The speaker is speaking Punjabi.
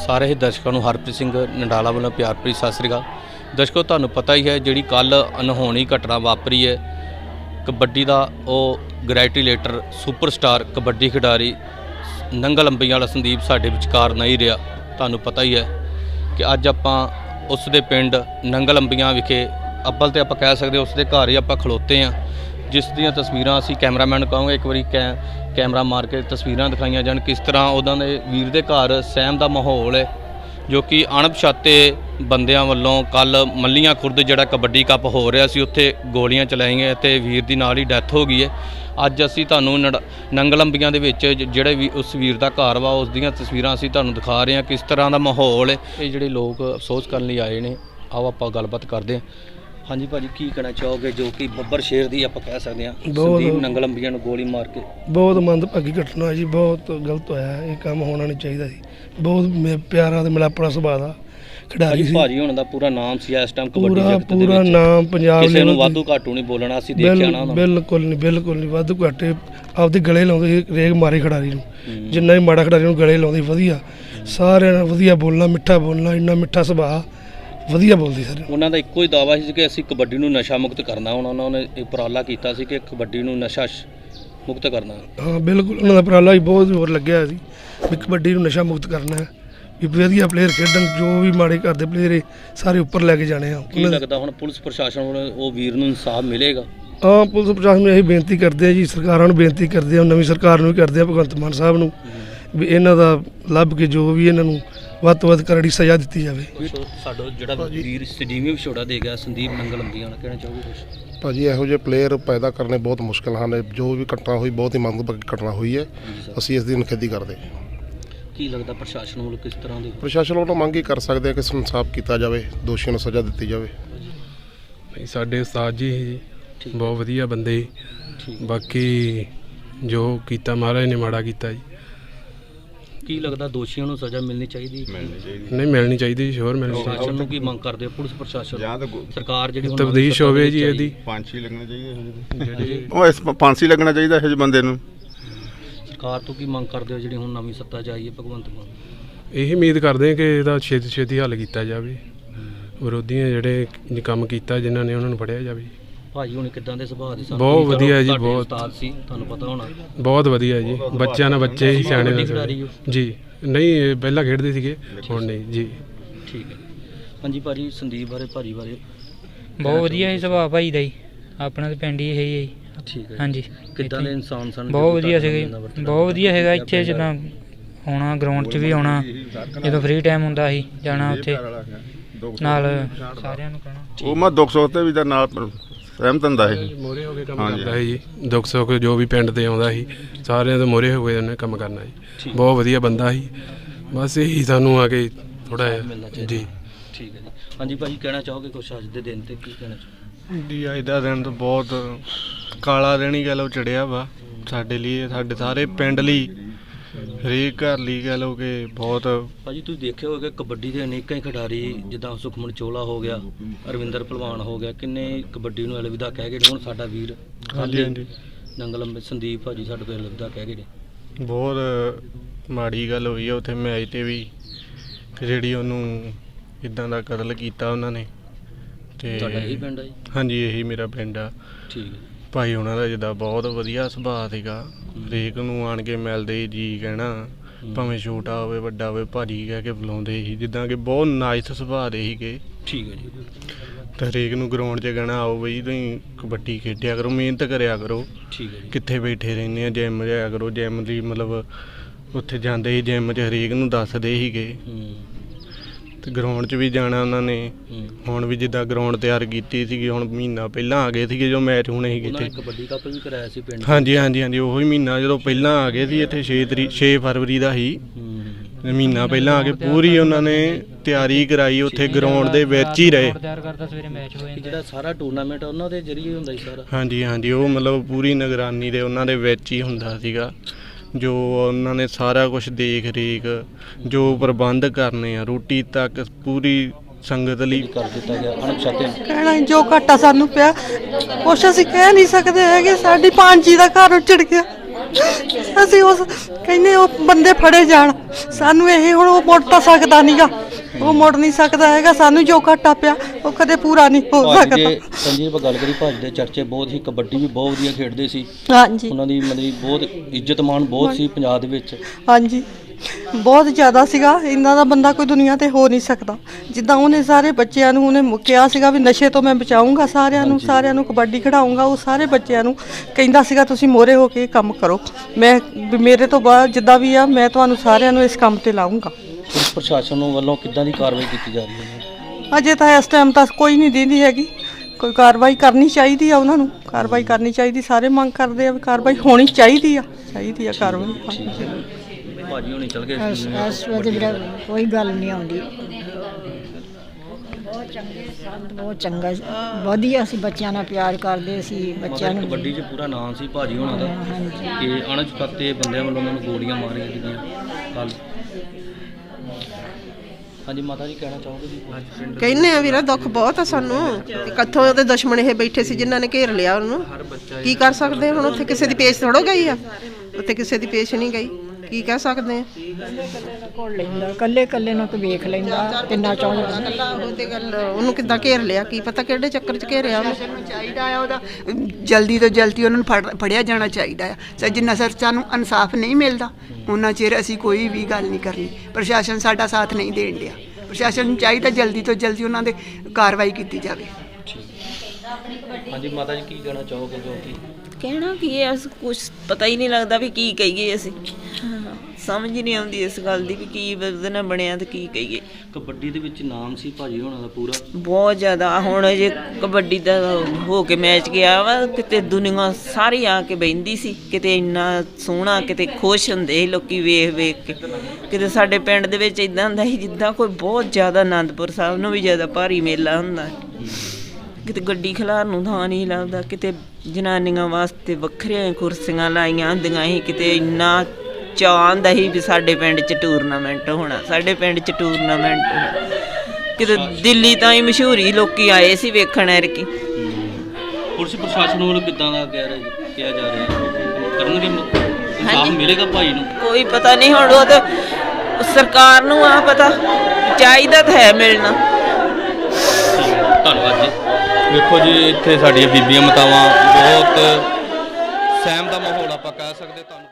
ਸਾਰੇ ਹੀ ਦਰਸ਼ਕਾਂ ਨੂੰ ਹਰਪ੍ਰੀਤ ਸਿੰਘ ਨਡਾਲਾ ਵੱਲੋਂ ਪਿਆਰ ਭਰੀ ਸਤਿ ਸ੍ਰੀ ਅਕਾਲ। ਦਰਸ਼ਕੋ, ਤੁਹਾਨੂੰ ਪਤਾ ਹੀ ਹੈ ਜਿਹੜੀ ਕੱਲ ਅਨਹੋਣੀ ਘਟਨਾ ਵਾਪਰੀ ਹੈ, ਕਬੱਡੀ ਦਾ ਉਹ ਗ੍ਰੈਟੀਲੇਟਰ ਸੁਪਰਸਟਾਰ ਕਬੱਡੀ ਖਿਡਾਰੀ ਨੰਗਲ ਅੰਬੀਆਂ ਵਾਲਾ ਸੰਦੀਪ ਸਾਡੇ ਵਿਚਕਾਰ ਨਹੀਂ ਰਿਹਾ। ਤੁਹਾਨੂੰ ਪਤਾ ਹੀ ਹੈ ਕਿ ਅੱਜ ਆਪਾਂ ਉਸ ਦੇ ਪਿੰਡ ਨੰਗਲ ਅੰਬੀਆਂ ਵਿਖੇ ਅੱਬਲ ਤੇ ਆਪਾਂ ਕਹਿ ਸਕਦੇ ਉਸ ਦੇ ਘਰ ਹੀ ਆਪਾਂ ਖਲੋਤੇ ਹਾਂ, ਜਿਸ ਦੀਆਂ ਤਸਵੀਰਾਂ ਅਸੀਂ ਕੈਮਰਾਮੈਨ ਨੂੰ ਕਹਾਂਗੇ ਇੱਕ ਵਾਰੀ ਕੈਮਰਾ ਮਾਰ ਕੇ ਤਸਵੀਰਾਂ ਦਿਖਾਈਆਂ ਜਾਣ। ਕਿਸ ਤਰ੍ਹਾਂ ਉਹਨਾਂ ਦੇ ਵੀਰ ਦੇ ਘਰ ਸਹਿਮ ਦਾ ਮਾਹੌਲ ਹੈ, ਜੋ ਕਿ ਅਣਪਛਾਤੇ ਬੰਦਿਆਂ ਵੱਲੋਂ ਕੱਲ ਮੱਲੀਆਂ ਖੁਰਦ ਜਿਹੜਾ ਕਬੱਡੀ ਕੱਪ ਹੋ ਰਿਹਾ ਸੀ ਉੱਥੇ ਗੋਲੀਆਂ ਚਲਾਈਆਂ ਅਤੇ ਵੀਰ ਦੀ ਨਾਲ ਹੀ ਡੈਥ ਹੋ ਗਈ ਹੈ। ਅੱਜ ਅਸੀਂ ਤੁਹਾਨੂੰ ਨੰਗਲ ਅੰਬੀਆਂ ਦੇ ਵਿੱਚ ਜਿਹੜੇ ਵੀ ਉਸ ਵੀਰ ਦਾ ਘਰ ਵਾ ਉਸ ਦੀਆਂ ਤਸਵੀਰਾਂ ਅਸੀਂ ਤੁਹਾਨੂੰ ਦਿਖਾ ਰਹੇ ਹਾਂ, ਕਿਸ ਤਰ੍ਹਾਂ ਦਾ ਮਾਹੌਲ ਹੈ। ਇਹ ਜਿਹੜੇ ਲੋਕ ਅਫਸੋਸ ਕਰਨ ਲਈ ਆਏ ਨੇ, ਆਓ ਆਪਾਂ ਗੱਲਬਾਤ ਕਰਦੇ ਹਾਂ। ਹਾਂਜੀ ਭਾਜੀ, ਕੀ ਕਹਿਣਾ ਚਾਹੋਗੇ ਜੋ ਕਿ ਬੱਬਰ ਸ਼ੇਰ ਦੀ ਆਪਾਂ ਕਹਿ ਸਕਦੇ ਹਾਂ ਸੰਦੀਪ ਨੰਗਲ ਅੰਬੀਆਂ ਨੂੰ ਗੋਲੀ ਮਾਰ ਕੇ? ਬਹੁਤ ਮੰਦਭਾਗੀ ਘਟਨਾ ਜੀ, ਬਹੁਤ ਗਲਤ ਹੋਇਆ। ਇਹ ਕੰਮ ਹੋਣਾ ਨਹੀਂ ਚਾਹੀਦਾ ਸੀ। ਬਹੁਤ ਪਿਆਰਾ ਤੇ ਮਿਲਾਪੜਾ ਸੁਭਾਅ ਦਾ ਖਿਡਾਰੀ ਸੀ। ਭਾਜੀ ਹੋਣ ਦਾ ਪੂਰਾ ਨਾਮ ਸੀ ਇਸ ਟਾਈਮ ਕਬੱਡੀ ਜਗਤ ਦੇ ਪੂਰਾ ਵਿੱਚ, ਨਾਮ ਪੰਜਾਬ ਕਿਸੇ ਨੂੰ ਵਾਧੂ ਘਾਟੂ ਨਹੀਂ ਬੋਲਣਾ। ਅਸੀਂ ਦੇਖਿਆ ਨਾ, ਬਿਲਕੁਲ ਨਹੀਂ ਵਾਧੂ ਘਾਟੇ ਆਪਦੇ ਗਲੇ ਲਾਉਂਦੇ ਸੀ, ਰੇਗ ਮਾਰੇ ਖਿਡਾਰੀ ਨੂੰ। ਜਿੰਨਾ ਵੀ ਮਾੜਾ ਖਿਡਾਰੀ ਨੂੰ ਗਲੇ ਲਾਉਂਦੇ ਵਧੀਆ, ਸਾਰਿਆਂ ਨਾਲ ਵਧੀਆ ਬੋਲਣਾ, ਮਿੱਠਾ ਬੋਲਣਾ, ਇੰਨਾ ਮਿੱਠਾ ਸੁਭਾਅ, ਵਧੀਆ ਬੋਲਦੀ ਸਰ। ਉਹਨਾਂ ਦਾ ਇੱਕੋ ਹੀ ਦਾਅਵਾ ਸੀ ਕਿ ਅਸੀਂ ਕਬੱਡੀ ਨੂੰ ਨਸ਼ਾ ਮੁਕਤ ਕਰਨਾ। ਹੁਣ ਉਹਨਾਂ ਨੇ ਉਪਰਾਲਾ ਕੀਤਾ ਸੀ ਕਿ ਕਬੱਡੀ ਨੂੰ ਨਸ਼ਾ ਮੁਕਤ ਕਰਨਾ। ਹਾਂ ਬਿਲਕੁਲ, ਉਹਨਾਂ ਦਾ ਉਪਰਾਲਾ ਵੀ ਬਹੁਤ ਜ਼ੋਰ ਲੱਗਿਆ ਸੀ ਵੀ ਕਬੱਡੀ ਨੂੰ ਨਸ਼ਾ ਮੁਕਤ ਕਰਨਾ ਹੈ, ਵੀ ਵਧੀਆ ਪਲੇਅਰ ਖੇਡਣ, ਜੋ ਵੀ ਮਾੜੇ ਕਰਦੇ ਪਲੇਅਰ ਸਾਰੇ ਉੱਪਰ ਲੈ ਕੇ ਜਾਣੇ ਆ। ਕੀ ਲੱਗਦਾ ਹੁਣ ਪੁਲਿਸ ਪ੍ਰਸ਼ਾਸਨ ਵੱਲੋਂ ਉਹ ਵੀਰ ਨੂੰ ਇਨਸਾਫ ਮਿਲੇਗਾ? ਹਾਂ, ਪੁਲਿਸ ਪ੍ਰਸ਼ਾਸਨ ਨੂੰ ਇਹ ਬੇਨਤੀ ਕਰਦੇ ਆ ਜੀ, ਸਰਕਾਰਾਂ ਨੂੰ ਬੇਨਤੀ ਕਰਦੇ ਆ, ਨਵੀਂ ਸਰਕਾਰ ਨੂੰ ਵੀ ਕਰਦੇ ਆ, ਭਗਵੰਤ ਮਾਨ ਸਾਹਿਬ ਨੂੰ, ਵੀ ਇਹਨਾਂ ਦਾ ਲੱਭ ਕੇ ਜੋ ਵੀ ਇਹਨਾਂ ਨੂੰ ਵੱਧ ਤੋਂ ਵੱਧ ਕਰੜੀ ਸਜ਼ਾ ਦਿੱਤੀ ਜਾਵੇ। ਸਾਡਾ ਜਿਹੜਾ ਵੀਰ ਸਜੀਵੀ ਵਿਛੋੜਾ ਦੇ ਗਿਆ ਸੰਦੀਪ ਨੰਗਲ ਅੰਬੀਆਂ ਨਾਲ, ਕਹਿਣਾ ਚਾਹੋਗੇ ਕੁਛ? ਭਾਜੀ, ਇਹੋ ਜਿਹੇ ਪਲੇਅਰ ਪੈਦਾ ਕਰਨੇ ਬਹੁਤ ਮੁਸ਼ਕਿਲ ਹਨ। ਜੋ ਵੀ ਘਟਨਾ ਹੋਈ ਬਹੁਤ ਹੀ ਮੰਦਭਾਗੀ ਘਟਨਾ ਹੋਈ ਹੈ, ਅਸੀਂ ਇਸ ਦੀ ਨਿਖੇਧੀ ਕਰਦੇ ਹਾਂ। ਕੀ ਲੱਗਦਾ ਪ੍ਰਸ਼ਾਸਨ ਵੱਲੋਂ ਕਿਸ ਤਰ੍ਹਾਂ ਦੇ? ਪ੍ਰਸ਼ਾਸਨ ਵੱਲੋਂ ਮੰਗ ਹੀ ਕਰ ਸਕਦੇ ਆ ਕਿ ਇਨਸਾਫ ਕੀਤਾ ਜਾਵੇ, ਦੋਸ਼ੀਆਂ ਨੂੰ ਸਜ਼ਾ ਦਿੱਤੀ ਜਾਵੇ। ਸਾਡੇ ਉਸਤਾਦ ਜੀ ਬਹੁਤ ਵਧੀਆ ਬੰਦੇ, ਬਾਕੀ ਜੋ ਕੀਤਾ ਮਹਾਰਾਜ ਨੇ ਮਾੜਾ ਕੀਤਾ ਜੀ। ਕੀ ਲੱਗਦਾ ਦੋਸ਼ੀਆਂ ਨੂੰ ਸਜ਼ਾ ਮਿਲਣੀ ਚਾਹੀਦੀ? ਨਹੀਂ ਮਿਲਣੀ ਚਾਹੀਦੀ, ਸ਼ੋਰ ਮਿਲਣੀ। ਪ੍ਰਸ਼ਾਸਨ ਨੂੰ ਕੀ ਮੰਗ ਕਰਦੇ ਹੋ? ਪੁਲਿਸ ਪ੍ਰਸ਼ਾਸਨ ਸਰਕਾਰ ਜਿਹੜੀ ਤਬਦੀਸ਼ ਹੋਵੇ ਜੀ, ਇਹਦੀ ਫਾਂਸੀ ਲੱਗਣਾ ਚਾਹੀਦਾ, ਉਹ ਇਸ ਫਾਂਸੀ ਲੱਗਣਾ ਚਾਹੀਦਾ ਇਹੋ ਜਿਹੇ ਬੰਦੇ ਨੂੰ। ਸਰਕਾਰ ਤੋਂ ਕੀ ਮੰਗ ਕਰਦੇ ਹੋ ਜਿਹੜੀ ਹੁਣ ਨਵੀਂ ਸੱਤਾ 'ਚ ਆਈ ਹੈ ਭਗਵੰਤ ਮਾਨ? ਇਹੀ ਉਮੀਦ ਕਰਦੇ ਹਾਂ ਕਿ ਇਹਦਾ ਛੇਤੀ ਹੱਲ ਕੀਤਾ ਜਾਵੇ, ਵਿਰੋਧੀਆਂ ਜਿਹੜੇ ਕੰਮ ਕੀਤਾ ਜਿਨ੍ਹਾਂ ਨੇ ਉਹਨਾਂ ਨੂੰ ਫੜਿਆ ਜਾਵੇ। ਭਾਜੀ ਹੁਣ ਕਿੱਦਾਂ ਦੇ ਸੁਭਾਅ ਦੇ? ਬਹੁਤ ਵਧੀਆ ਜੀ, ਬਹੁਤ ਉਸਤਾਦ ਸੀ, ਤੁਹਾਨੂੰ ਪਤਾ ਹੋਣਾ। ਬਹੁਤ ਵਧੀਆ ਜੀ, ਬੱਚਿਆਂ ਨਾਲ ਬੱਚੇ ਹੀ ਸਿਆਣੇ ਜੀ। ਨਹੀਂ ਪਹਿਲਾਂ ਖੇਡਦੇ ਸੀਗੇ, ਹੁਣ ਨਹੀਂ ਜੀ। ਠੀਕ ਹੈ। ਹਾਂਜੀ ਭਾਜੀ, ਸੰਦੀਪ ਬਾਰੇ, ਭਾਜੀ ਬਾਰੇ? ਬਹੁਤ ਵਧੀਆ ਹੀ ਸੁਭਾਅ ਭਾਈ ਦਾ ਹੀ, ਆਪਣਾ ਤਾਂ ਪਿੰਡ ਹੀ ਹੈ ਜੀ। ਠੀਕ ਹੈ। ਹਾਂਜੀ, ਕਿੱਦਾਂ ਦੇ ਇਨਸਾਨ ਸਨ? ਬਹੁਤ ਵਧੀਆ ਸੀਗੇ, ਬਹੁਤ ਵਧੀਆ ਹੈਗਾ। ਇੱਥੇ ਜਿੱਦਾਂ ਆਉਣਾ ਗਰਾਊਂਡ 'ਚ ਵੀ ਆਉਣਾ, ਜਦੋਂ ਫ੍ਰੀ ਟਾਈਮ ਹੁੰਦਾ ਸੀ ਜਾਣਾ ਉੱਥੇ ਨਾਲ ਸਾਰਿਆਂ ਨੂੰ ਕਹਿਣਾ। ਉਹ ਮੈਂ ਦੁੱਖ ਸੁੱਖ ਤੇ ਵੀ ਨਾਲ ਸਹਿਮਤ ਹੁੰਦਾ ਸੀ, ਮੋਰੇ ਹੋ ਕੇ ਕੰਮ ਕਰਦਾ ਹੈ ਜੀ। ਦੁੱਖ ਸੁੱਖ ਜੋ ਵੀ ਪਿੰਡ ਤੇ ਆਉਂਦਾ ਸੀ ਸਾਰਿਆਂ ਤੋਂ ਮੋਰੇ ਹੋ ਕੇ ਉਹਨੇ ਕੰਮ ਕਰਨਾ ਜੀ। ਬਹੁਤ ਵਧੀਆ ਬੰਦਾ ਸੀ, ਬਸ ਇਹੀ ਸਾਨੂੰ ਆ ਕੇ ਥੋੜਾ ਜੀ। ਠੀਕ ਹੈ ਜੀ। ਹਾਂਜੀ ਭਾਜੀ, ਕਹਿਣਾ ਚਾਹੋਗੇ ਕੁਛ ਅੱਜ ਦੇ ਦਿਨ ਤੇ? ਕੀ ਕਹਿਣਾ ਚਾਹੋਗੇ ਜੀ? ਅੱਜ ਦਾ ਦਿਨ ਤਾਂ ਬਹੁਤ ਕਾਲਾ ਦਿਨ ਹੀ ਕਹਿ ਲਓ ਚੜਿਆ ਵਾ ਸਾਡੇ ਲਈ, ਸਾਡੇ ਸਾਰੇ ਪਿੰਡ ਲਈ, ਹਰੇਕ ਘਰ ਲਈ ਕਹਿ ਲਓ ਕਿ ਬਹੁਤ। ਭਾਜੀ ਤੁਸੀਂ ਦੇਖਿਆ ਹੋਵੇਗਾ ਕਬੱਡੀ ਦੇ ਅਨੇਕਾਂ ਹੀ ਖਿਡਾਰੀ, ਜਿੱਦਾਂ ਸੁਖਮਨ ਚੋਲਾ ਹੋ ਗਿਆ, ਅਰਵਿੰਦਰ ਭਲਵਾਨ ਹੋ ਗਿਆ, ਕਿੰਨੇ ਕਬੱਡੀ ਨੂੰ ਅਲਵਿਦਾ ਕਹਿ ਗਏ। ਹੁਣ ਸਾਡਾ ਵੀਰ ਨੰਗਲ ਸੰਦੀਪ ਭਾਜੀ ਸਾਡੇ ਕੋਲ ਅਲਵਿਦਾ ਕਹਿ ਗਏ। ਬਹੁਤ ਮਾੜੀ ਗੱਲ ਹੋਈ ਆ ਉੱਥੇ ਮੈਚ 'ਤੇ ਵੀ, ਜਿਹੜੀ ਉਹਨੂੰ ਇੱਦਾਂ ਦਾ ਕਤਲ ਕੀਤਾ ਉਹਨਾਂ ਨੇ। ਤੇ ਤੁਹਾਡਾ ਇਹੀ ਪਿੰਡ ਆ ਜੀ? ਹਾਂਜੀ, ਇਹੀ ਮੇਰਾ ਪਿੰਡ ਆ। ਠੀਕ ਹੈ। ਭਾਈ ਉਹਨਾਂ ਦਾ ਜਿੱਦਾਂ ਬਹੁਤ ਵਧੀਆ ਸੁਭਾਅ ਸੀਗਾ, ਹਰੇਕ ਨੂੰ ਆਣ ਕੇ ਮਿਲਦੇ ਜੀ, ਕਹਿਣਾ ਭਾਵੇਂ ਛੋਟਾ ਹੋਵੇ ਵੱਡਾ ਹੋਵੇ ਭਾਜੀ ਕਹਿ ਕੇ ਬੁਲਾਉਂਦੇ ਸੀ, ਜਿੱਦਾਂ ਕਿ ਬਹੁਤ ਨਾਈਸ ਸੁਭਾਅ ਦੇ ਸੀਗੇ। ਠੀਕ ਹੈ ਜੀ। ਤੇ ਹਰੇਕ ਨੂੰ ਗਰਾਊਂਡ 'ਚ ਕਹਿਣਾ ਆਓ ਬਈ ਤੁਸੀਂ ਕਬੱਡੀ ਖੇਡਿਆ ਕਰੋ, ਮਿਹਨਤ ਕਰਿਆ ਕਰੋ। ਠੀਕ ਹੈ ਜੀ। ਕਿੱਥੇ ਬੈਠੇ ਰਹਿੰਦੇ ਆ, ਜਿੰਮ ਜਾਇਆ ਕਰੋ। ਜਿੰਮ ਦੀ ਮਤਲਬ ਉੱਥੇ ਜਾਂਦੇ ਸੀ ਜਿੰਮ 'ਚ, ਹਰੇਕ ਨੂੰ ਦੱਸਦੇ ਸੀਗੇ। ਤੇ ਗਰਾਊਂਡ 'ਚ ਵੀ ਜਾਣਾ ਉਹਨਾਂ ਨੇ। ਹੁਣ ਵੀ ਜਿੱਦਾਂ ਗਰਾਊਂਡ ਤਿਆਰ ਕੀਤੀ ਸੀਗੀ, ਹੁਣ ਮਹੀਨਾ ਪਹਿਲਾਂ ਆ ਗਏ ਸੀਗੇ ਜੋ ਮੈਚ ਹੋਣੇ ਸੀਗੇ ਇੱਥੇ। ਕਬੱਡੀ ਕੱਪ ਵੀ ਕਰਾਇਆ ਸੀ ਪਿੰਡ? ਹਾਂਜੀ, ਉਹੀ ਮਹੀਨਾ ਜਦੋਂ ਪਹਿਲਾਂ ਆ ਗਏ ਸੀ ਇੱਥੇ 6 ਫਰਵਰੀ ਦਾ ਸੀ। ਮਹੀਨਾ ਪਹਿਲਾਂ ਆ ਕੇ ਪੂਰੀ ਉਹਨਾਂ ਨੇ ਤਿਆਰੀ ਕਰਾਈ, ਉੱਥੇ ਗਰਾਊਂਡ ਦੇ ਵਿੱਚ ਹੀ ਰਹੇ। ਜਿਹੜਾ ਸਾਰਾ ਟੂਰਨਾਮੈਂਟ ਉਹਨਾਂ ਦੇ ਜ਼ਰੀਏ ਹੁੰਦਾ ਸੀ ਸਾਰਾ? ਹਾਂਜੀ, ਉਹ ਮਤਲਬ ਪੂਰੀ ਨਿਗਰਾਨੀ ਦੇ ਉਹਨਾਂ ਦੇ ਵਿੱਚ ਹੀ ਹੁੰਦਾ ਸੀਗਾ, ਜੋ ਉਹਨਾਂ ਨੇ ਸਾਰਾ ਕੁਝ ਦੇਖ ਰੇਖ, ਜੋ ਪ੍ਰਬੰਧ ਕਰਨੇ ਆ, ਰੋਟੀ ਤੱਕ ਪੂਰੀ ਸੰਗਤ ਲਈ ਕਰ ਦਿੱਤਾ ਗਿਆ। ਅਣਪਛਾਤੇ ਕਹਿਣਾ ਜੋ ਘਾਟਾ ਸਾਨੂੰ ਪਿਆ ਕੁਛ ਅਸੀਂ ਕਹਿ ਨਹੀਂ ਸਕਦੇ ਹੈਗੇ। ਸਾਡੀ ਭਾਂਜੀ ਦਾ ਘਰ ਉੱਜੜ ਗਿਆ, ਅਸੀਂ ਉਸ ਕਹਿੰਦੇ ਉਹ ਬੰਦੇ ਫੜੇ ਜਾਣ। ਸਾਨੂੰ ਇਹ ਹੁਣ ਉਹ ਮੁੜ ਤਾਂ ਸਕਦਾ ਨਹੀਂਗਾ, ਉਹ ਮੁੜ ਨਹੀਂ ਸਕਦਾ ਹੈਗਾ। ਸਾਨੂੰ ਜੋ ਘਾਟਾ ਪਿਆ ਉਹ ਕਦੇ ਪੂਰਾ ਨਹੀਂ ਹੋ ਭਾਜੀ ਦੇ ਸਕਦਾ। ਸੰਜੀ ਆਪਾਂ ਗੱਲ ਕਰੀ, ਭਾਜੀ ਦੇ ਚਰਚੇ ਬਹੁਤ ਸੀ, ਕਬੱਡੀ ਵੀ ਬਹੁਤ ਵਧੀਆ ਖੇਡਦੇ ਸੀ। ਹਾਂਜੀ ਉਹਨਾਂ ਦੀ ਮਤਲਬ ਬਹੁਤ ਇੱਜ਼ਤ ਮਾਣ ਬਹੁਤ ਸੀ ਪੰਜਾਬ ਦੇ ਵਿੱਚ। ਹਾਂਜੀ ਬਹੁਤ ਜ਼ਿਆਦਾ ਸੀਗਾ। ਇੰਨਾ ਦਾ ਬੰਦਾ ਕੋਈ ਦੁਨੀਆ ਤੇ ਹੋ ਨਹੀਂ ਸਕਦਾ। ਜਿੱਦਾਂ ਉਹਨੇ ਸਾਰੇ ਬੱਚਿਆਂ ਨੂੰ ਉਹਨੇ ਕਿਹਾ ਸੀਗਾ ਵੀ ਨਸ਼ੇ ਤੋਂ ਮੈਂ ਬਚਾਊਂਗਾ ਸਾਰਿਆਂ ਨੂੰ ਕਬੱਡੀ ਖਿਡਾਊਂਗਾ। ਉਹ ਸਾਰੇ ਬੱਚਿਆਂ ਨੂੰ ਕਹਿੰਦਾ ਸੀਗਾ ਤੁਸੀਂ ਮੋਹਰੇ ਹੋ ਕੇ ਕੰਮ ਕਰੋ, ਮੈਂ ਵੀ ਮੇਰੇ ਤੋਂ ਬਾਅਦ ਜਿੱਦਾਂ ਵੀ ਆ ਮੈਂ ਤੁਹਾਨੂੰ ਸਾਰਿਆਂ ਨੂੰ ਇਸ ਕੰਮ ਤੇ ਲਾਊਂਗਾ। ਪੁਲਿਸ ਪ੍ਰਸ਼ਾਸਨ ਵੱਲੋਂ ਕਿੱਦਾਂ ਦੀ ਕਾਰਵਾਈ ਕੀਤੀ ਜਾ ਰਹੀ ਹੈ? ਅਜੇ ਤਾਂ ਇਸ ਟਾਈਮ ਤੱਕ ਕੋਈ ਨਹੀਂ ਦਿੰਦੀ ਹੈਗੀ। ਕੋਈ ਕਾਰਵਾਈ ਕਰਨੀ ਚਾਹੀਦੀ ਆ, ਉਹਨਾਂ ਨੂੰ ਕਾਰਵਾਈ ਕਰਨੀ ਚਾਹੀਦੀ। ਸਾਰੇ ਮੰਗ ਕਰਦੇ ਆ ਵੀ ਕਾਰਵਾਈ ਹੋਣੀ ਚਾਹੀਦੀ ਆ ਕਾਰਵਾਈ। ਭਾਜੀ ਹੋਣੀ ਚਲ ਗਏ ਇਸ ਵੇਲੇ ਵੀਰੇ ਕੋਈ ਗੱਲ ਨਹੀਂ ਆਉਂਦੀ। ਬਹੁਤ ਚੰਗੇ ਸੰਤ, ਬਹੁਤ ਚੰਗਾ ਵਧੀਆ ਸੀ। ਬੱਚਿਆਂ ਨਾਲ ਪਿਆਰ ਕਰਦੇ ਸੀ। ਬੱਚਿਆਂ ਨੂੰ ਕਬੱਡੀ 'ਚ ਪੂਰਾ ਨਾਮ ਸੀ ਭਾਜੀ ਹੋਣਾ ਦਾ ਕਿ ਅਣਪਛਾਤੇ ਬੰਦਿਆਂ ਵੱਲੋਂ ਉਹਨਾਂ ਨੂੰ ਗੋਲੀਆਂ ਮਾਰੀਆਂ ਗਈਆਂ ਕੱਲ। ਹਾਂਜੀ ਮਾਤਾ ਜੀ ਕਹਿਣਾ ਚਾਹੋਗੇ ਜੀ? ਕਹਿੰਦੇ ਆ ਵੀਰਾ ਦੁੱਖ ਬਹੁਤ ਆ ਸਾਨੂੰ। ਕਿੱਥੋਂ ਉਹਦੇ ਦੁਸ਼ਮਣ ਇਹ ਬੈਠੇ ਸੀ ਜਿਨ੍ਹਾਂ ਨੇ ਘੇਰ ਲਿਆ ਉਹਨੂੰ। ਕੀ ਕਰ ਸਕਦੇ ਹੁਣ? ਉੱਥੇ ਕਿਸੇ ਦੀ ਪੇਸ਼ ਥੋੜੋ ਗਈ ਆ, ਉੱਥੇ ਕਿਸੇ ਦੀ ਪੇਸ਼ ਨਹੀਂ ਗਈ। ਕੀ ਕਹਿ ਸਕਦੇ ਆ? ਕੋਲ ਲੈਂਦਾ ਕੱਲੇ ਨੂੰ ਕੋਈ ਵੇਖ ਲੈਂਦਾ ਤਿੰਨਾਂ ਚੌਂ ਉਹ ਤੇ ਗੱਲ ਉਹਨੂੰ ਕਿੱਦਾਂ ਘੇਰ ਲਿਆ, ਕੀ ਪਤਾ ਕਿਹੜੇ ਚੱਕਰ 'ਚ ਘੇਰਿਆ ਉਹਨੂੰ। ਚਾਹੀਦਾ ਆ ਉਹਦਾ ਜਲਦੀ ਤੋਂ ਜਲਦੀ ਉਹਨਾਂ ਨੂੰ ਫੜਿਆ ਜਾਣਾ ਚਾਹੀਦਾ ਆ। ਜਿੰਨਾ ਚਿਰ ਸਾਨੂੰ ਇਨਸਾਫ ਨਹੀਂ ਮਿਲਦਾ ਉਹਨਾਂ ਚਿਰ ਅਸੀਂ ਕੋਈ ਵੀ ਗੱਲ ਨਹੀਂ ਕਰਨੀ। ਪ੍ਰਸ਼ਾਸਨ ਸਾਡਾ ਸਾਥ ਨਹੀਂ ਦੇਣ ਡਿਆ। ਪ੍ਰਸ਼ਾਸਨ ਨੂੰ ਚਾਹੀਦਾ ਜਲਦੀ ਤੋਂ ਜਲਦੀ ਉਹਨਾਂ ਦੇ ਕਾਰਵਾਈ ਕੀਤੀ ਜਾਵੇ। ਹਾਂਜੀ ਮਾਤਾ ਜੀ ਕੀ ਕਹਿਣਾ ਚਾਹੋਗੇ? ਜੋ ਕਿ ਕਹਿਣਾ ਕੀ ਹੈ, ਕੁਝ ਪਤਾ ਹੀ ਨਹੀਂ ਲੱਗਦਾ ਵੀ ਕੀ ਕਹੀਏ। ਅਸੀਂ ਸਮਝ ਹੀ ਨਹੀਂ ਆਉਂਦੀ ਇਸ ਗੱਲ ਦੀ ਵੀ ਕੀ ਉਹਦੇ ਨਾਲ ਬਣਿਆ ਤੇ ਕੀ ਕਹੀਏ। ਕਬੱਡੀ ਦੇ ਵਿੱਚ ਨਾਮ ਸੀ ਭਾਜੀ ਹੋਣਾ ਦਾ ਪੂਰਾ ਬਹੁਤ ਜ਼ਿਆਦਾ। ਹੁਣ ਜੇ ਕਬੱਡੀ ਦਾ ਹੋ ਕੇ ਮੈਚ ਗਿਆ ਵਾ, ਕਿਤੇ ਦੁਨੀਆ ਸਾਰੀ ਆ ਕੇ ਬਹਿੰਦੀ ਸੀ। ਕਿਤੇ ਇੰਨਾ ਸੋਹਣਾ, ਕਿਤੇ ਖੁਸ਼ ਹੁੰਦੇ ਸੀ ਲੋਕੀ ਵੇਖ ਵੇਖ ਕੇ। ਕਿਤੇ ਸਾਡੇ ਪਿੰਡ ਦੇ ਵਿੱਚ ਇਦਾਂ ਹੁੰਦਾ ਸੀ ਜਿੱਦਾਂ ਕੋਈ ਬਹੁਤ ਜ਼ਿਆਦਾ ਆਨੰਦਪੁਰ ਸਾਹਿਬ ਨੂੰ ਵੀ ਜ਼ਿਆਦਾ ਭਾਰੀ ਮੇਲਾ ਹੁੰਦਾ। ਕਿਤੇ ਗੱਡੀ ਖਿਲਾਰਨ ਨੂੰ ਥਾਂ ਨਹੀਂ ਲੱਭਦਾ। ਕਿਤੇ ਜਨਾਨੀਆਂ ਵਾਸਤੇ ਵੱਖਰੀਆਂ ਕੁਰਸੀਆਂ ਲਾਈਆਂ ਹੁੰਦੀਆਂ ਸੀ। ਕਿਤੇ ਇੰਨਾ ਚਾਅ ਹੁੰਦਾ ਸੀ ਵੀ ਸਾਡੇ ਪਿੰਡ 'ਚ ਟੂਰਨਾਮੈਂਟ ਹੋਣਾ, ਸਾਡੇ ਪਿੰਡ 'ਚ ਟੂਰਨਾਮੈਂਟ ਹੋਣਾ। ਕਿਤੇ ਦਿੱਲੀ ਤਾਂ ਹੀ ਮਸ਼ਹੂਰੀ ਲੋਕੀ ਆਏ ਸੀ ਵੇਖਣ ਐਰਕੀ। ਪੁਲਿਸ ਪ੍ਰਸ਼ਾਸਨ ਵੱਲੋਂ ਕਿੱਦਾਂ ਦਾ ਕਿਹਾ ਜਾ ਰਿਹਾ ਕਰਨਗੇ? ਇਨਸਾਫ ਮਿਲੇਗਾ ਭਾਈ ਨੂੰ? ਕੋਈ ਪਤਾ ਨਹੀਂ ਹੁਣ, ਉਹ ਤਾਂ ਸਰਕਾਰ ਨੂੰ ਆ ਪਤਾ। ਚਾਹੀਦਾ ਤਾਂ ਹੈ ਮਿਲਣਾ। ਧੰਨਵਾਦ ਜੀ। ਵੇਖੋ ਜੀ ਇੱਥੇ ਸਾਡੀਆਂ ਬੀਬੀਆਂ ਮਾਤਾਵਾਂ ਬਹੁਤ ਸਹਿਮ ਦਾ ਮਾਹੌਲ ਆਪਾਂ ਕਹਿ ਸਕਦੇ ਤੁਹਾਨੂੰ।